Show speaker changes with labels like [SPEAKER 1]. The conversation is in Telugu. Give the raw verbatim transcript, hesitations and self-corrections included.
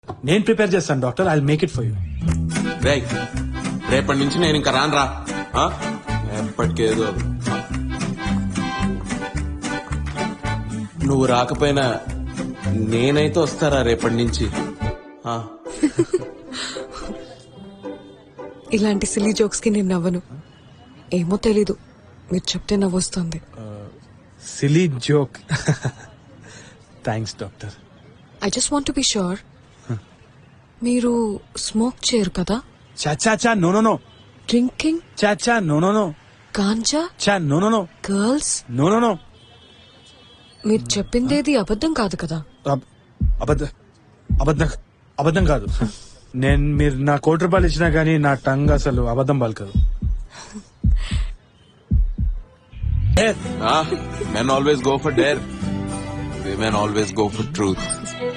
[SPEAKER 1] నేను ప్రిపేర్ చేస్తాను doctor, I make it for you.
[SPEAKER 2] రేయ్ రేపటి నుంచి నేను ఇంకా రానురా. ఆ? ఎప్పటికేదో నువ్వు రాకపోయినా నేనైతే వస్తారా రేపటి నుంచి. ఆ.
[SPEAKER 3] ఇలాంటి సిల్లీ జోక్స్ కి నేను నవ్వను. ఏమో తెలీదు, మీరు చెప్తే నవ్వొస్తుంది.
[SPEAKER 1] Silly joke. Thanks doctor.
[SPEAKER 3] I just want be sure, మీరు స్మోక్ చేయరు కదా?
[SPEAKER 1] చాచా చా నో నో నో.
[SPEAKER 3] డ్రింకింగ్,
[SPEAKER 1] చాచా నో నో నో.
[SPEAKER 3] గాంజా,
[SPEAKER 1] చా no no no.
[SPEAKER 3] Girls,
[SPEAKER 1] no no no.
[SPEAKER 3] మీరు చెప్పిందేది అబద్ధం కాదు కదా?
[SPEAKER 1] అబద్ధ అబద్ధం అబద్ధం కాదు. నేను మీరు నా కోటి రూపాయలు ఇచ్చినా గానీ నా టంగ్ అసలు అబద్ధం పలకదు.
[SPEAKER 2] Men always go for dare. Women always go for truth.